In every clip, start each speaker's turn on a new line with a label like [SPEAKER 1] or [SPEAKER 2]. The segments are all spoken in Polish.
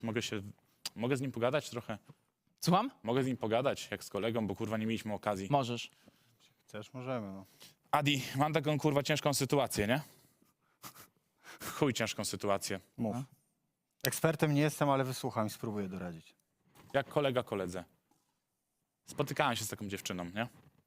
[SPEAKER 1] Mogę z nim pogadać trochę?
[SPEAKER 2] Słucham?
[SPEAKER 1] Mogę z nim pogadać, jak z kolegą, bo kurwa nie mieliśmy okazji.
[SPEAKER 2] Możesz.
[SPEAKER 3] Chcesz? Możemy, no.
[SPEAKER 1] Adi, mam taką kurwa ciężką sytuację, nie? Chuj ciężką sytuację.
[SPEAKER 3] Mów. Ekspertem nie jestem, ale wysłucham i spróbuję doradzić.
[SPEAKER 1] Jak kolega koledze. Spotykałem się z taką dziewczyną, nie?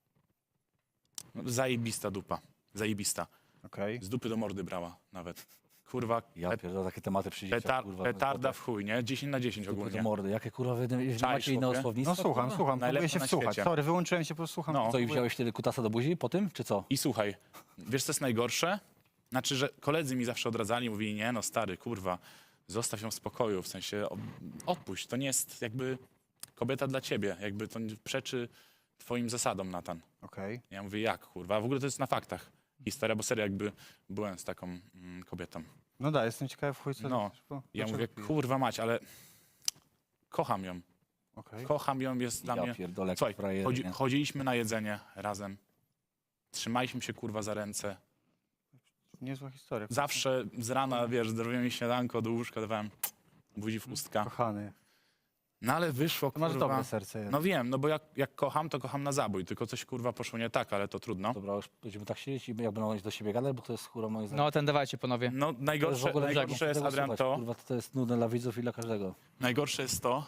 [SPEAKER 1] No, zajebista dupa. Zajebista.
[SPEAKER 3] Okej.
[SPEAKER 1] Z dupy do mordy brała nawet. Kurwa,
[SPEAKER 4] Ja pierdolę, takie tematy przy dzieciach, kurwa.
[SPEAKER 1] petarda w chuj, nie? 10 na 10
[SPEAKER 4] Dupy do
[SPEAKER 1] ogólnie.
[SPEAKER 4] mordy. Jakie kurwa wy
[SPEAKER 1] Czaisz,
[SPEAKER 4] macie inne
[SPEAKER 1] chłopie?
[SPEAKER 4] słownictwo?
[SPEAKER 3] No słucham,
[SPEAKER 4] kurwa?
[SPEAKER 3] słucham. Próbuję
[SPEAKER 1] Najlepsze
[SPEAKER 3] się
[SPEAKER 1] na
[SPEAKER 3] wsłuchać.
[SPEAKER 1] świecie.
[SPEAKER 3] Sorry, wyłączyłem się, po prostu słucham.
[SPEAKER 1] No.
[SPEAKER 4] Co, i wziąłeś wtedy kutasa do buzi po tym, czy co?
[SPEAKER 1] I słuchaj, wiesz co jest najgorsze? Znaczy, że koledzy mi zawsze odradzali, mówili, nie no stary, kurwa, zostaw ją w spokoju, w sensie odpuść, to nie jest jakby kobieta dla ciebie, jakby to przeczy twoim zasadom, Natan.
[SPEAKER 3] Okej.
[SPEAKER 1] Ja mówię, jak kurwa, w ogóle to jest na faktach historia, bo serio jakby byłem z taką kobietą.
[SPEAKER 3] No da, jestem ciekawy w chuj, co...
[SPEAKER 1] No, ja mówię, kurwa mać, ale kocham ją,
[SPEAKER 3] Okej.
[SPEAKER 1] kocham ją, jest dla
[SPEAKER 4] Ja
[SPEAKER 1] mnie...
[SPEAKER 4] pierdolę, jak
[SPEAKER 1] Słuchaj,
[SPEAKER 4] frajery, nie?
[SPEAKER 1] chodziliśmy na jedzenie razem, trzymaliśmy się kurwa za ręce,
[SPEAKER 3] Niezła historia.
[SPEAKER 1] zawsze z rana, wiesz, zrobiłem mi śniadanko do łóżka, dawałem buzi w ustka.
[SPEAKER 3] Kochany.
[SPEAKER 1] No ale wyszło,
[SPEAKER 3] To masz
[SPEAKER 1] kurwa...
[SPEAKER 3] dobre serce jednak.
[SPEAKER 1] No wiem, no bo jak kocham, to kocham na zabój, tylko coś kurwa poszło nie tak, ale to trudno.
[SPEAKER 4] Dobra, już będziemy tak siedzieć i jak będą do siebie gadać, bo to jest kurwa moje zdanie.
[SPEAKER 2] No, ten dawajcie, panowie.
[SPEAKER 1] No
[SPEAKER 4] To jest w
[SPEAKER 1] najgorsze,
[SPEAKER 4] ogóle
[SPEAKER 1] najgorsze jest,
[SPEAKER 4] tego
[SPEAKER 1] Adrian,
[SPEAKER 4] słuchać,
[SPEAKER 1] to...
[SPEAKER 4] Kurwa, to jest nudne dla widzów i dla każdego.
[SPEAKER 1] Najgorsze jest to,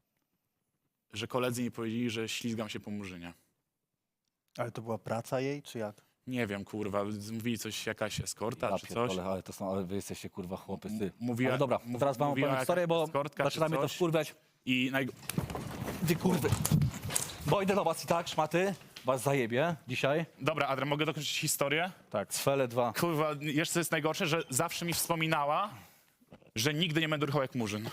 [SPEAKER 1] że koledzy mi powiedzieli, że ślizgam się po murzynie.
[SPEAKER 3] Ale to była praca jej, czy jak?
[SPEAKER 1] Nie wiem, kurwa, mówili coś, jakaś eskorta
[SPEAKER 4] Ja
[SPEAKER 1] czy coś.
[SPEAKER 4] pierdolę, ale to są, ale wy jesteście kurwa chłopy, ty.
[SPEAKER 1] Mówiła,
[SPEAKER 4] Ale dobra, teraz wam
[SPEAKER 1] mówiła
[SPEAKER 4] opowiem historię,
[SPEAKER 1] jakaś
[SPEAKER 4] bo
[SPEAKER 1] eskortka czy
[SPEAKER 4] zaczynamy to
[SPEAKER 1] coś.
[SPEAKER 4] wkurwiać.
[SPEAKER 1] I
[SPEAKER 4] Ty kurwy. Bo idę do was i tak, szmaty, was zajebie dzisiaj.
[SPEAKER 1] Dobra, Adrian, mogę dokończyć historię?
[SPEAKER 4] Tak. Cfele 2.
[SPEAKER 1] Kurwa, jeszcze co jest najgorsze, że zawsze mi wspominała, że nigdy nie będę ruchał jak murzyn.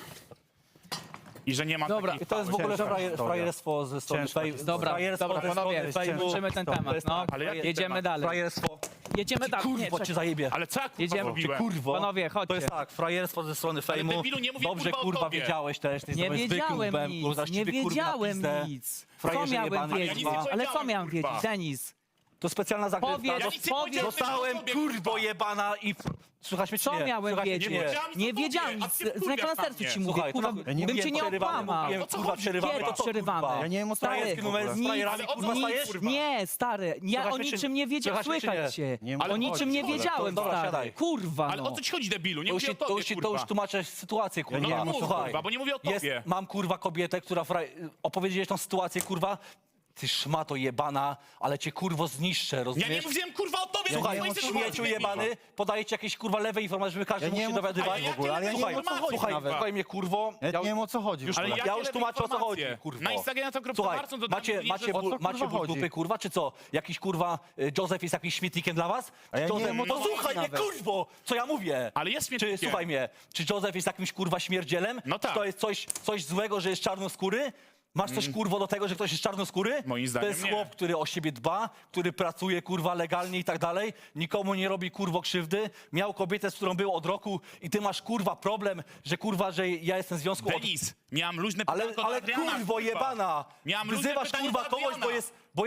[SPEAKER 1] I że nie mam
[SPEAKER 2] Dobra,
[SPEAKER 1] takich
[SPEAKER 4] I to jest w ogóle
[SPEAKER 3] Ciężka historia.
[SPEAKER 4] frajerstwo ze strony
[SPEAKER 3] Ciężka
[SPEAKER 4] Fejmu.
[SPEAKER 2] Dobra,
[SPEAKER 4] Frajerstwo
[SPEAKER 2] dobra,
[SPEAKER 4] ze
[SPEAKER 2] panowie,
[SPEAKER 4] strony
[SPEAKER 3] ciężko.
[SPEAKER 4] Fejmu.
[SPEAKER 2] kończymy ten temat, no.
[SPEAKER 1] Ale jaki
[SPEAKER 2] Jedziemy
[SPEAKER 1] temat?
[SPEAKER 2] dalej.
[SPEAKER 4] Frajerstwo.
[SPEAKER 2] Jedziemy dalej. Nie,
[SPEAKER 4] Kurwo, cię
[SPEAKER 2] czekaj.
[SPEAKER 4] zajebie.
[SPEAKER 1] Ale co ja kurwa
[SPEAKER 2] Jedziemy.
[SPEAKER 1] zrobiłem?
[SPEAKER 4] Kurwo.
[SPEAKER 2] Panowie, chodźcie.
[SPEAKER 4] To jest tak, frajerstwo ze strony Fejmu.
[SPEAKER 1] debilu, nie mówię,
[SPEAKER 4] Dobrze,
[SPEAKER 1] kurwa, o
[SPEAKER 4] kurwa,
[SPEAKER 1] tobie.
[SPEAKER 4] wiedziałeś też. Ty
[SPEAKER 2] Nie
[SPEAKER 4] jesteś zwykłym
[SPEAKER 2] wiedziałem
[SPEAKER 4] łbem, kurwa,
[SPEAKER 2] nic, nie
[SPEAKER 4] ciebie, kurwa, na
[SPEAKER 2] wiedziałem
[SPEAKER 4] pizdę.
[SPEAKER 2] nic. Co
[SPEAKER 4] Frajerze
[SPEAKER 2] miałem
[SPEAKER 4] jebany,
[SPEAKER 1] ja nic
[SPEAKER 2] wiedzieć?
[SPEAKER 1] nie
[SPEAKER 4] kurwa.
[SPEAKER 2] Ale co
[SPEAKER 1] powiedziałem,
[SPEAKER 2] miałem wiedzieć,
[SPEAKER 1] kurwa.
[SPEAKER 2] Denis?
[SPEAKER 4] To specjalna zagrywka.
[SPEAKER 2] Powiedz,
[SPEAKER 1] Ja nic nie powiedziałem,
[SPEAKER 4] Dostałem,
[SPEAKER 1] o tobie,
[SPEAKER 4] kurwo
[SPEAKER 1] kurwa.
[SPEAKER 4] jebana i... Słuchaj mnie, czy
[SPEAKER 2] Co
[SPEAKER 4] nie?
[SPEAKER 2] miałem
[SPEAKER 4] Słuchaj mnie,
[SPEAKER 2] wiedzieć?
[SPEAKER 4] czy nie?
[SPEAKER 1] powiedziałem nic
[SPEAKER 2] Nie
[SPEAKER 1] o tobie,
[SPEAKER 2] wiedziałem
[SPEAKER 1] a
[SPEAKER 2] nic.
[SPEAKER 1] ty się
[SPEAKER 2] Z ręka na
[SPEAKER 1] wkurwiasz
[SPEAKER 2] sercu
[SPEAKER 1] na
[SPEAKER 2] ci
[SPEAKER 1] mnie.
[SPEAKER 2] mówię,
[SPEAKER 4] Słuchaj,
[SPEAKER 2] kurwa,
[SPEAKER 4] trochę-
[SPEAKER 2] bym cię nie
[SPEAKER 4] przerywamy,
[SPEAKER 2] okłamał.
[SPEAKER 4] mówiłem,
[SPEAKER 1] O co
[SPEAKER 4] kurwa,
[SPEAKER 1] chodzi,
[SPEAKER 4] przerywamy,
[SPEAKER 1] kurwa?
[SPEAKER 4] to co,
[SPEAKER 2] Przerywamy.
[SPEAKER 4] kurwa?
[SPEAKER 3] Ja nie wiem, o co
[SPEAKER 2] Stary,
[SPEAKER 3] chodzi w ogóle.
[SPEAKER 4] z frajerami,
[SPEAKER 1] Ale o co
[SPEAKER 4] kurwa,
[SPEAKER 1] chodzi,
[SPEAKER 4] stajesz?
[SPEAKER 1] kurwa?
[SPEAKER 2] Nie, stary, ja
[SPEAKER 4] Słychać
[SPEAKER 2] o
[SPEAKER 4] mnie, czy-
[SPEAKER 2] niczym nie wiedziałem,
[SPEAKER 4] słychać mnie, czy
[SPEAKER 2] słychać
[SPEAKER 4] nie?
[SPEAKER 2] cię.
[SPEAKER 3] Nie wiem,
[SPEAKER 2] O
[SPEAKER 3] o co
[SPEAKER 2] niczym
[SPEAKER 3] chodzi
[SPEAKER 2] nie
[SPEAKER 3] w ogóle.
[SPEAKER 2] wiedziałem,
[SPEAKER 4] Dobra,
[SPEAKER 2] stary.
[SPEAKER 4] siadaj.
[SPEAKER 2] Kurwa,
[SPEAKER 1] Ale
[SPEAKER 2] no.
[SPEAKER 1] o co ci chodzi, debilu? Nie
[SPEAKER 4] To już,
[SPEAKER 1] mówię o tobie,
[SPEAKER 4] to
[SPEAKER 1] kurwa.
[SPEAKER 4] już tłumaczę sytuację, kurwa.
[SPEAKER 1] nie wiem, o co,
[SPEAKER 4] Słuchaj,
[SPEAKER 1] kurwa, bo nie mówię o
[SPEAKER 4] jest,
[SPEAKER 1] tobie.
[SPEAKER 4] mam kurwa kobietę, która opowiedzieć tą sytuację, kurwa. Ty szmato jebana, ale cię kurwo zniszczę,
[SPEAKER 1] Ja
[SPEAKER 4] rozumiesz?
[SPEAKER 1] nie mówiłem, kurwa, o tobie.
[SPEAKER 4] Słuchaj,
[SPEAKER 1] to jest
[SPEAKER 4] śmieciu
[SPEAKER 1] sytuacja,
[SPEAKER 4] jebany, podaje ci jakieś kurwa lewe informacje, żeby każdy
[SPEAKER 3] Ja
[SPEAKER 4] mógł
[SPEAKER 3] nie
[SPEAKER 4] się
[SPEAKER 3] wiem, o co
[SPEAKER 4] dowiadywać.
[SPEAKER 1] chodzi
[SPEAKER 4] w ogóle.
[SPEAKER 1] ale ja nie
[SPEAKER 4] słuchaj,
[SPEAKER 1] wiem, o co chodzi
[SPEAKER 4] słuchaj,
[SPEAKER 1] nawet.
[SPEAKER 4] słuchaj mnie kurwo.
[SPEAKER 3] Ja nie wiem, o co chodzi.
[SPEAKER 1] Ale
[SPEAKER 4] ja już tłumaczę, o co chodzi, kurwo.
[SPEAKER 1] Na Instagramie to
[SPEAKER 4] Słuchaj,
[SPEAKER 1] Marcon to
[SPEAKER 4] macie
[SPEAKER 3] o co,
[SPEAKER 4] macie
[SPEAKER 3] kurwa,
[SPEAKER 4] ból
[SPEAKER 3] chodzi?
[SPEAKER 4] dupy, kurwa, czy co? Jakiś kurwa Józef jest jakimś śmietnikiem dla was?
[SPEAKER 3] A ja nie
[SPEAKER 4] Józef,
[SPEAKER 3] wiem, o co
[SPEAKER 4] no
[SPEAKER 3] chodzi
[SPEAKER 4] słuchaj mnie,
[SPEAKER 3] nawet.
[SPEAKER 4] kurwo, co ja mówię?
[SPEAKER 1] Ale jest śmietnikiem.
[SPEAKER 4] Czy, słuchaj mnie, czy Józef jest jakimś kurwa śmierdzielem?
[SPEAKER 1] No tak.
[SPEAKER 4] Czy to jest coś złego, że jest czarnoskóry? Masz coś kurwo do tego, że ktoś jest czarnoskóry?
[SPEAKER 1] Moim zdaniem
[SPEAKER 4] To jest
[SPEAKER 1] nie.
[SPEAKER 4] chłop, który o siebie dba, który pracuje kurwa legalnie i tak dalej, nikomu nie robi kurwo krzywdy, miał kobietę, z którą był od roku i ty masz kurwa problem, że ja jestem w związku od...
[SPEAKER 1] Denis, miałem luźne
[SPEAKER 4] Ale,
[SPEAKER 1] pytanko do
[SPEAKER 4] ale
[SPEAKER 1] Adriana,
[SPEAKER 4] kurwo
[SPEAKER 1] kurwa.
[SPEAKER 4] jebana!
[SPEAKER 1] Miałem luźne
[SPEAKER 4] Wyzywasz
[SPEAKER 1] pytanie
[SPEAKER 4] kurwa
[SPEAKER 1] do
[SPEAKER 4] kogoś,
[SPEAKER 1] Adriana.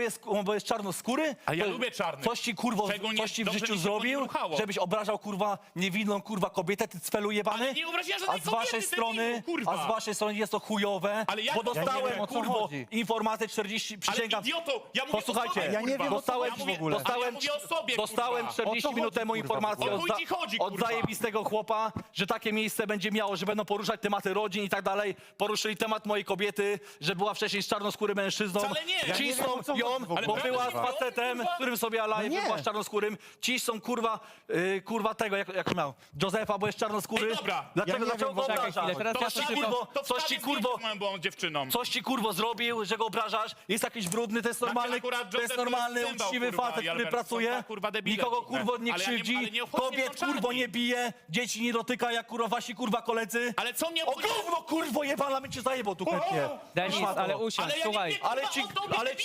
[SPEAKER 4] bo jest czarnoskóry?
[SPEAKER 1] A ja
[SPEAKER 4] To-
[SPEAKER 1] lubię czarnych.
[SPEAKER 4] Coś ci kurwo,
[SPEAKER 1] Szczególnie
[SPEAKER 4] coś ci w
[SPEAKER 1] dobrze
[SPEAKER 4] życiu
[SPEAKER 1] mi się to nie
[SPEAKER 4] zrobił,
[SPEAKER 1] ruchało.
[SPEAKER 4] żebyś obrażał kurwa niewinną kurwa kobietę, ty cfelu jebany?
[SPEAKER 1] Ale nie obraziłem
[SPEAKER 4] A
[SPEAKER 1] żadnej
[SPEAKER 4] z waszej
[SPEAKER 1] kobiety,
[SPEAKER 4] strony,
[SPEAKER 1] debilu, kurwa.
[SPEAKER 4] a z waszej strony jest to chujowe,
[SPEAKER 1] Ale jak-
[SPEAKER 4] bo
[SPEAKER 1] Ja nie
[SPEAKER 4] dostałem
[SPEAKER 3] wiem, o co
[SPEAKER 4] kurwo
[SPEAKER 3] chodzi.
[SPEAKER 4] informację 40,
[SPEAKER 1] Ale
[SPEAKER 4] przysięgam.
[SPEAKER 1] idioto, ja mówię
[SPEAKER 4] Posłuchajcie,
[SPEAKER 1] o sobie,
[SPEAKER 3] ja nie
[SPEAKER 1] kurwa.
[SPEAKER 3] wiem, o co
[SPEAKER 4] dostałem,
[SPEAKER 3] chodzi w ogóle.
[SPEAKER 1] Ale ja mówię o sobie,
[SPEAKER 4] dostałem
[SPEAKER 1] kurwa.
[SPEAKER 4] 40
[SPEAKER 3] O co
[SPEAKER 4] minut
[SPEAKER 3] chodzi,
[SPEAKER 4] temu
[SPEAKER 3] kurwa,
[SPEAKER 4] informację
[SPEAKER 1] o chuj ci chodzi,
[SPEAKER 4] od
[SPEAKER 1] kurwa.
[SPEAKER 4] zajebistego chłopa, że takie miejsce będzie miało, że będą poruszać tematy rodzin i tak dalej. Poruszyli temat mojej kobiety, że była wcześniej z czarnoskórym mężczyzną.
[SPEAKER 1] Wcale nie. Ja
[SPEAKER 3] nie wiem,
[SPEAKER 4] Cisną
[SPEAKER 3] o co
[SPEAKER 4] ją,
[SPEAKER 3] chodzi w ogóle.
[SPEAKER 4] bo była z
[SPEAKER 1] Ale prawda,
[SPEAKER 4] facetem,
[SPEAKER 1] kurwa?
[SPEAKER 4] z którym sobie alaje,
[SPEAKER 3] No nie.
[SPEAKER 4] była z czarnoskórym. Cisną kurwa tego, jak miał, Józefa, bo jest czarnoskóry.
[SPEAKER 1] Ej, dobra.
[SPEAKER 4] Dlaczego,
[SPEAKER 3] Ja nie
[SPEAKER 4] dlaczego
[SPEAKER 3] wiem,
[SPEAKER 4] go
[SPEAKER 3] bo-
[SPEAKER 2] Czekaj
[SPEAKER 4] obrażasz?
[SPEAKER 2] chwilę, teraz
[SPEAKER 1] To
[SPEAKER 2] ja
[SPEAKER 1] wstawię-
[SPEAKER 2] coś tylko...
[SPEAKER 1] to
[SPEAKER 4] coś ci,
[SPEAKER 1] wstawię
[SPEAKER 4] kurwo-
[SPEAKER 1] zdjęcie z moją byłą dziewczyną.
[SPEAKER 4] Coś ci kurwo zrobił, że go obrażasz? Jest jakiś brudny, to jest normalny,
[SPEAKER 1] akurat
[SPEAKER 4] to jest
[SPEAKER 1] Józef
[SPEAKER 4] normalny,
[SPEAKER 1] to jest cymbał,
[SPEAKER 4] uczciwy
[SPEAKER 1] kurwa,
[SPEAKER 4] facet,
[SPEAKER 1] i
[SPEAKER 4] który
[SPEAKER 1] Albert
[SPEAKER 4] pracuje.
[SPEAKER 1] są, kurwa, debile
[SPEAKER 4] Nikogo
[SPEAKER 1] dziwne.
[SPEAKER 4] kurwo nie
[SPEAKER 1] Ale ja nie-
[SPEAKER 4] krzywdzi,
[SPEAKER 1] ale nie obchodzi mnie
[SPEAKER 4] kobiet
[SPEAKER 1] to
[SPEAKER 4] kurwo
[SPEAKER 1] czarni.
[SPEAKER 4] nie bije, dzieci nie dotyka jak kurwa wasi kurwa koledzy.
[SPEAKER 1] Ale co mnie
[SPEAKER 4] O gówno kurwo jebana, my cię zajebał tu chętnie.
[SPEAKER 2] Denis,
[SPEAKER 4] Szmato.
[SPEAKER 2] ale usiądź,
[SPEAKER 1] Ale ja nie
[SPEAKER 2] słuchaj.
[SPEAKER 1] wiem,
[SPEAKER 4] Ale
[SPEAKER 1] kurwa,
[SPEAKER 4] ci,
[SPEAKER 1] o tobie,
[SPEAKER 4] ale ci,
[SPEAKER 1] debilu.
[SPEAKER 4] ale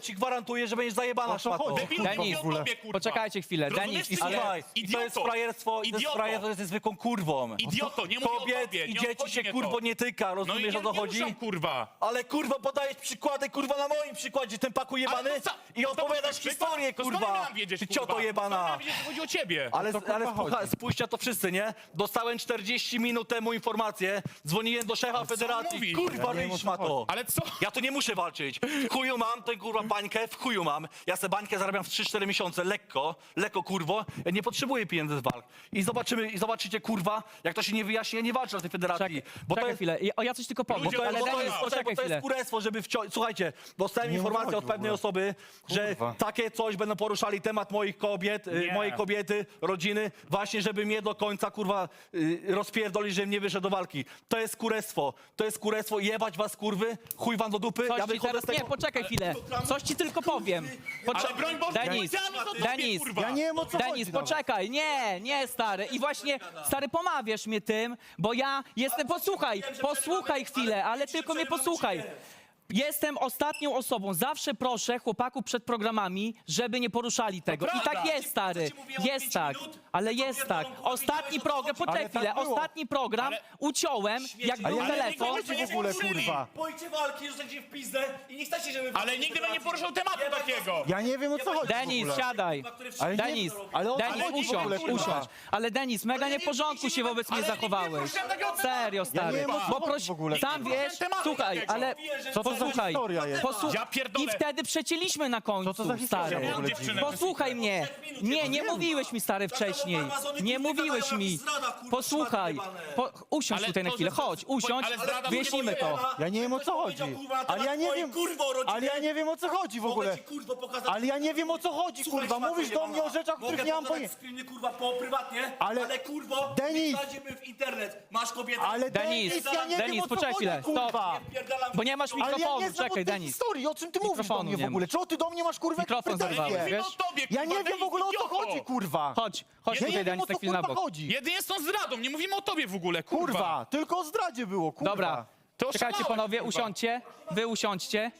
[SPEAKER 4] ale ci gwarantuję, że będziesz zajebana
[SPEAKER 3] O co
[SPEAKER 4] szmato.
[SPEAKER 3] chodzi?
[SPEAKER 1] Debilu,
[SPEAKER 2] Denis,
[SPEAKER 1] mówię o tobie, kurwa.
[SPEAKER 2] poczekajcie chwilę.
[SPEAKER 1] Rozumiesz,
[SPEAKER 2] Denis,
[SPEAKER 1] ty
[SPEAKER 2] i
[SPEAKER 1] nie?
[SPEAKER 4] Słuchaj, i to jest
[SPEAKER 1] Idioto.
[SPEAKER 4] frajerstwo, to jest zwykłą kurwą.
[SPEAKER 1] Idioto, nie mówię o
[SPEAKER 4] Kobiet
[SPEAKER 1] tobie,
[SPEAKER 4] i
[SPEAKER 1] nie
[SPEAKER 4] dzieci
[SPEAKER 1] obchodzi
[SPEAKER 4] się
[SPEAKER 1] mnie
[SPEAKER 4] kurwo
[SPEAKER 1] to.
[SPEAKER 4] nie tyka,
[SPEAKER 1] No i
[SPEAKER 4] rozumiesz
[SPEAKER 1] nie,
[SPEAKER 4] o co
[SPEAKER 1] nie
[SPEAKER 4] chodzi?
[SPEAKER 1] ruszam, kurwa.
[SPEAKER 4] Ale kurwa podajesz przykłady kurwa na moim przykładzie, ten paku jebany
[SPEAKER 1] Ale to co?
[SPEAKER 4] i
[SPEAKER 1] To
[SPEAKER 4] opowiadasz
[SPEAKER 1] to
[SPEAKER 4] historię
[SPEAKER 1] to skąd my
[SPEAKER 4] kurwa.
[SPEAKER 1] mam wiedzieć,
[SPEAKER 4] Ty
[SPEAKER 1] kurwa?
[SPEAKER 4] cioto jebana.
[SPEAKER 1] Skąd mam wiedzieć, że chodzi o ciebie?
[SPEAKER 4] Ale,
[SPEAKER 3] to, kurwa,
[SPEAKER 4] ale
[SPEAKER 3] chodzi?
[SPEAKER 4] spójrzcie na to wszyscy, nie? Dostałem 40 minut temu informację, dzwoniłem do szefa
[SPEAKER 1] on
[SPEAKER 4] federacji.
[SPEAKER 1] mówi?
[SPEAKER 4] Kurwa,
[SPEAKER 3] Ja nie wiem, o
[SPEAKER 4] ryż
[SPEAKER 3] co
[SPEAKER 4] ma to.
[SPEAKER 3] chodzi.
[SPEAKER 1] Ale co?
[SPEAKER 4] Ja tu nie muszę walczyć. W chuju mam, to kurwa bańkę, w chuju mam. Ja sobie bańkę zarabiam w 3-4 miesiące, lekko kurwo. Ja nie potrzebuję pieniędzy z walk. I zobaczycie kurwa, jak to się nie wyjaśni, ja nie walczę na tej federacji.
[SPEAKER 2] Czekaj chwilę. Ja coś tylko powiem.
[SPEAKER 1] Ludzie,
[SPEAKER 4] To
[SPEAKER 2] Ale
[SPEAKER 4] jest,
[SPEAKER 2] Denis, poczekaj
[SPEAKER 4] to jest
[SPEAKER 2] chwilę.
[SPEAKER 4] kurestwo, żeby wciąć. Słuchajcie, dostałem
[SPEAKER 3] Nie
[SPEAKER 4] informację
[SPEAKER 3] chodzi
[SPEAKER 4] od
[SPEAKER 3] w
[SPEAKER 4] pewnej
[SPEAKER 3] ogóle.
[SPEAKER 4] osoby, że
[SPEAKER 3] Kurwa.
[SPEAKER 4] takie coś będą poruszali temat moich kobiet,
[SPEAKER 1] Nie.
[SPEAKER 4] mojej kobiety, rodziny, właśnie żeby mnie do końca kurwa rozpierdolić, żebym nie wyszedł do walki. To jest kurestwo, jebać was kurwy, chuj wam do dupy.
[SPEAKER 2] Coś
[SPEAKER 4] Ja
[SPEAKER 2] ci
[SPEAKER 4] wychodzę
[SPEAKER 2] teraz...
[SPEAKER 4] z tego...
[SPEAKER 2] Nie, poczekaj chwilę. Coś ci tylko powiem.
[SPEAKER 1] Ale broń Boże,
[SPEAKER 2] Denis,
[SPEAKER 1] powiedziałem o tobie,
[SPEAKER 2] Denis,
[SPEAKER 1] kurwa.
[SPEAKER 3] Ja nie wiem, o co
[SPEAKER 2] Denis,
[SPEAKER 3] chodzi nawet.
[SPEAKER 2] poczekaj, nie, stary. I właśnie, stary, pomawiasz mnie tym, bo ja jestem, posłuchaj chwilę, ale tylko mnie posłuchaj. Jestem ostatnią osobą. Zawsze proszę chłopaków przed programami, żeby nie poruszali tego. I
[SPEAKER 1] prawda.
[SPEAKER 2] tak jest, stary.
[SPEAKER 4] ci mówiłem od
[SPEAKER 2] Jest
[SPEAKER 4] 5
[SPEAKER 2] tak.
[SPEAKER 4] minut?
[SPEAKER 2] Ale
[SPEAKER 4] To
[SPEAKER 2] jest
[SPEAKER 4] pierdolą
[SPEAKER 2] tak.
[SPEAKER 4] głowy,
[SPEAKER 2] Ostatni
[SPEAKER 4] wiesz, o co
[SPEAKER 2] program,
[SPEAKER 4] chodzi?
[SPEAKER 2] poczekaj
[SPEAKER 3] Ale tak
[SPEAKER 2] chwilę.
[SPEAKER 3] było.
[SPEAKER 2] Ostatni program
[SPEAKER 4] Ale-
[SPEAKER 2] uciąłem, jak
[SPEAKER 4] Ale
[SPEAKER 2] był
[SPEAKER 3] ja nie wiem,
[SPEAKER 2] telefon.
[SPEAKER 3] o co chodzi w ogóle, kurwa.
[SPEAKER 4] Boicie walki, że gdzie w pizdę i nie chcecie, żeby...
[SPEAKER 1] Ale nigdy bym nie poruszał tematu takiego.
[SPEAKER 3] Ja nie wiem, o co chodzi w
[SPEAKER 2] Denis,
[SPEAKER 3] ogóle.
[SPEAKER 2] siadaj.
[SPEAKER 3] Ale nie-
[SPEAKER 2] Denis,
[SPEAKER 3] ale o co
[SPEAKER 2] Denis,
[SPEAKER 3] chodzi w ogóle,
[SPEAKER 2] usiądź.
[SPEAKER 3] kurwa?
[SPEAKER 2] Ale Denis, mega nieporządku się wobec mnie
[SPEAKER 1] Ale nigdy nie
[SPEAKER 2] zachowałeś.
[SPEAKER 1] poruszyłem takiego tematu.
[SPEAKER 2] Serio, stary.
[SPEAKER 3] wiem, o co
[SPEAKER 2] Bo
[SPEAKER 3] chodzi
[SPEAKER 2] proś,
[SPEAKER 3] w ogóle.
[SPEAKER 2] sam
[SPEAKER 1] Nigdy nie
[SPEAKER 2] wiesz,
[SPEAKER 1] poruszyłem tematu
[SPEAKER 2] słuchaj,
[SPEAKER 1] takiego.
[SPEAKER 2] ale
[SPEAKER 3] Co to za
[SPEAKER 2] posłuchaj.
[SPEAKER 3] historia jest?
[SPEAKER 1] Ja pierdolę.
[SPEAKER 2] I wtedy przecięliśmy na końcu,
[SPEAKER 3] Co to za historia
[SPEAKER 2] stary.
[SPEAKER 3] w ogóle
[SPEAKER 1] dziewczyny?
[SPEAKER 2] Posłuchaj mnie. Nie mówiłeś mi, stary, wcześniej. Nie mówiłeś mi. Posłuchaj. Usiądź
[SPEAKER 1] Ale
[SPEAKER 2] tutaj na
[SPEAKER 1] to,
[SPEAKER 2] chwilę.
[SPEAKER 1] że-
[SPEAKER 2] Chodź, usiądź,
[SPEAKER 1] ale zdrada
[SPEAKER 2] wyjaśnimy to.
[SPEAKER 3] Ja nie wiem, o co chodzi. Ale ja nie wiem, ale ja nie wiem, o co chodzi w ogóle. Ale ja nie wiem, o co chodzi, kurwa. Mówisz do mnie o rzeczach, o których nie mam pojęcia.
[SPEAKER 4] Wspólny, kurwa, po prywatnie,
[SPEAKER 3] Ale-
[SPEAKER 4] kurwo,
[SPEAKER 3] Denis!
[SPEAKER 4] wsadzimy w internet. Masz kobietę.
[SPEAKER 3] Ale
[SPEAKER 2] Denis,
[SPEAKER 3] Denis, ja nie
[SPEAKER 2] Denis,
[SPEAKER 3] wiem, o co
[SPEAKER 2] poczekaj
[SPEAKER 3] chodzi,
[SPEAKER 2] chwilę,
[SPEAKER 3] kurwa.
[SPEAKER 2] stop. Bo nie masz
[SPEAKER 3] Ale ja
[SPEAKER 2] mikrofonu,
[SPEAKER 3] nie znam
[SPEAKER 2] czekaj,
[SPEAKER 3] od tej
[SPEAKER 2] Denis.
[SPEAKER 3] historii. O czym ty mówisz do
[SPEAKER 2] Mikrofonu
[SPEAKER 3] mnie w
[SPEAKER 2] nie
[SPEAKER 3] ogóle? Czego ty do mnie masz, kurwa,
[SPEAKER 2] Mikrofon
[SPEAKER 3] pretensje?
[SPEAKER 2] zerwałeś,
[SPEAKER 1] Mówimy
[SPEAKER 2] wiesz?
[SPEAKER 1] o tobie,
[SPEAKER 3] Ja
[SPEAKER 1] kurwa,
[SPEAKER 3] nie wiem w ogóle, o co
[SPEAKER 1] idioto.
[SPEAKER 3] chodzi, kurwa.
[SPEAKER 2] Chodź
[SPEAKER 3] Ja
[SPEAKER 2] tutaj,
[SPEAKER 3] nie wiem,
[SPEAKER 2] Denis,
[SPEAKER 3] o
[SPEAKER 2] na
[SPEAKER 3] co,
[SPEAKER 2] chwilę na
[SPEAKER 3] kurwa,
[SPEAKER 2] bok.
[SPEAKER 3] chodzi.
[SPEAKER 1] Jedynie z tą zdradą, nie mówimy o tobie w ogóle, kurwa.
[SPEAKER 3] Kurwa, tylko o zdradzie było, kurwa.
[SPEAKER 2] Dobra,
[SPEAKER 1] To
[SPEAKER 2] czekajcie
[SPEAKER 1] oszalałeś,
[SPEAKER 2] panowie,
[SPEAKER 1] kurwa.
[SPEAKER 2] usiądźcie. Wy usiądźcie.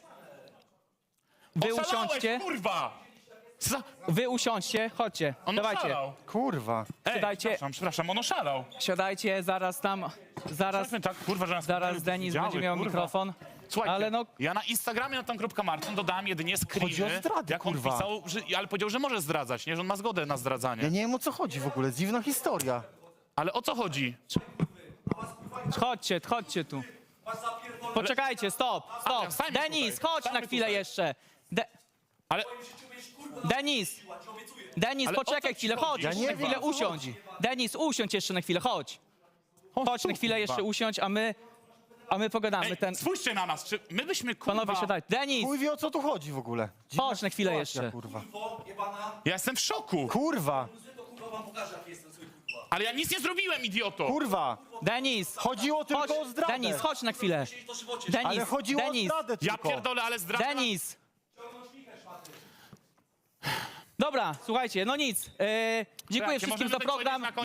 [SPEAKER 2] Wy
[SPEAKER 1] Oszalałeś,
[SPEAKER 2] usiądźcie.
[SPEAKER 1] kurwa.
[SPEAKER 2] Wy usiądźcie, chodźcie.
[SPEAKER 1] On
[SPEAKER 2] Dawajcie.
[SPEAKER 1] oszalał.
[SPEAKER 3] Kurwa.
[SPEAKER 1] Ej,
[SPEAKER 2] Siadajcie.
[SPEAKER 1] przepraszam, on oszalał.
[SPEAKER 2] Siadajcie, zaraz
[SPEAKER 1] Zobaczmy tak, kurwa, że nas
[SPEAKER 2] zaraz Denis
[SPEAKER 1] widziały,
[SPEAKER 2] będzie miał
[SPEAKER 1] kurwa.
[SPEAKER 2] mikrofon.
[SPEAKER 1] Słuchajcie,
[SPEAKER 2] Ale no,
[SPEAKER 1] ja na Instagramie na tam.marcin dodałem jedynie
[SPEAKER 3] Chodzi o
[SPEAKER 1] screeny,
[SPEAKER 3] zdradę,
[SPEAKER 1] jak on
[SPEAKER 3] kurwa.
[SPEAKER 1] pisał, ale powiedział, że może zdradzać, nie, że on ma zgodę na zdradzanie.
[SPEAKER 3] Ja nie wiem, o co chodzi w ogóle. Dziwna historia.
[SPEAKER 1] Ale o co chodzi?
[SPEAKER 2] chodźcie tu. Poczekajcie, stop.
[SPEAKER 1] stańmy
[SPEAKER 2] Denis,
[SPEAKER 1] tutaj,
[SPEAKER 2] chodź na
[SPEAKER 1] stańmy
[SPEAKER 2] chwilę
[SPEAKER 1] tutaj.
[SPEAKER 2] jeszcze.
[SPEAKER 1] Ale
[SPEAKER 2] Denis,
[SPEAKER 1] Ale o
[SPEAKER 2] poczekaj
[SPEAKER 1] co ci
[SPEAKER 2] chwilę,
[SPEAKER 1] chodzi?
[SPEAKER 2] chodź,
[SPEAKER 3] Ja
[SPEAKER 2] jeszcze
[SPEAKER 3] nie
[SPEAKER 2] na
[SPEAKER 3] wiem,
[SPEAKER 2] chwilę
[SPEAKER 3] o co
[SPEAKER 2] usiądź.
[SPEAKER 3] chodzi.
[SPEAKER 2] Denis, usiądź jeszcze na chwilę, chodź. Chodź na chwilę jeszcze usiądź, a my pogadamy.
[SPEAKER 1] ej, spójrzcie na nas, czy my byśmy, kurwa...
[SPEAKER 2] Panowie, siadaj. Denis,
[SPEAKER 3] Chuj wie, o co tu chodzi w ogóle. Dziwna
[SPEAKER 2] Chodź na chwilę
[SPEAKER 3] sytuacja,
[SPEAKER 2] jeszcze.
[SPEAKER 3] Kurwa.
[SPEAKER 1] Ja jestem w szoku,
[SPEAKER 3] Kurwa.
[SPEAKER 1] ale ja nic nie zrobiłem, idioto.
[SPEAKER 3] Kurwa.
[SPEAKER 2] Denis,
[SPEAKER 3] Chodziło tylko
[SPEAKER 2] chodź,
[SPEAKER 3] o zdradę.
[SPEAKER 2] Denis, chodź na chwilę.
[SPEAKER 3] Ale
[SPEAKER 2] Denis,
[SPEAKER 3] chodziło o
[SPEAKER 2] Denis,
[SPEAKER 3] zdradę
[SPEAKER 1] Ja
[SPEAKER 3] tylko.
[SPEAKER 1] pierdolę, ale zdrada...
[SPEAKER 2] Denis. Dobra, słuchajcie, no nic. Dziękuję
[SPEAKER 1] Słuchajcie,
[SPEAKER 2] wszystkim
[SPEAKER 1] możemy
[SPEAKER 2] za
[SPEAKER 1] tak powiedzieć
[SPEAKER 2] program.
[SPEAKER 1] na koniec?